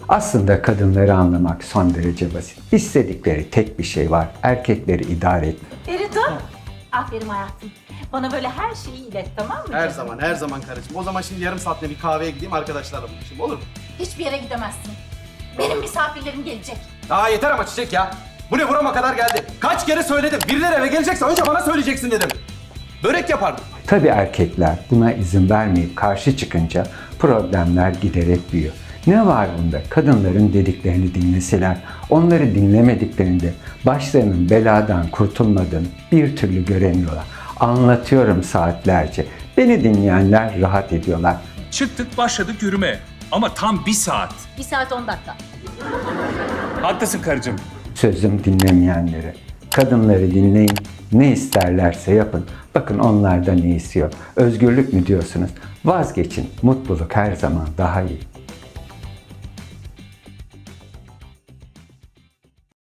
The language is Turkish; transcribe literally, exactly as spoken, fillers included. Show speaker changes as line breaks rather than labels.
Aslında kadınları anlamak son derece basit. İstedikleri tek bir şey var. Erkekleri idare etmek.
Feridun, aferin hayatım. Bana böyle her şeyi ilet, tamam mı?
Her
canım?
zaman, her zaman karıcığım. O zaman şimdi yarım saatte bir kahveye gideyim, arkadaşlarla buluşayım, olur mu?
Hiçbir yere gidemezsin. Benim misafirlerim gelecek.
Aa yeter ama Çiçek ya. Bu ne, burama kadar geldi. Kaç kere söyledim. Birileri eve gelecekse önce bana söyleyeceksin dedim. Börek yapardım.
Tabii erkekler buna izin vermeyip karşı çıkınca problemler giderek büyüyor. Ne var bunda? Kadınların dediklerini dinleseler, onları dinlemediklerinde başlarının beladan kurtulmadığını bir türlü göremiyorlar. Anlatıyorum saatlerce. Beni dinleyenler rahat ediyorlar.
Çıktık başladık yürüme. Ama tam bir saat.
Bir saat on dakika.
Haklısın karıcığım.
Sözüm dinlemeyenlere. Kadınları dinleyin, ne isterlerse yapın. Bakın onlar da ne istiyor. Özgürlük mü diyorsunuz? Vazgeçin. Mutluluk her zaman daha iyi.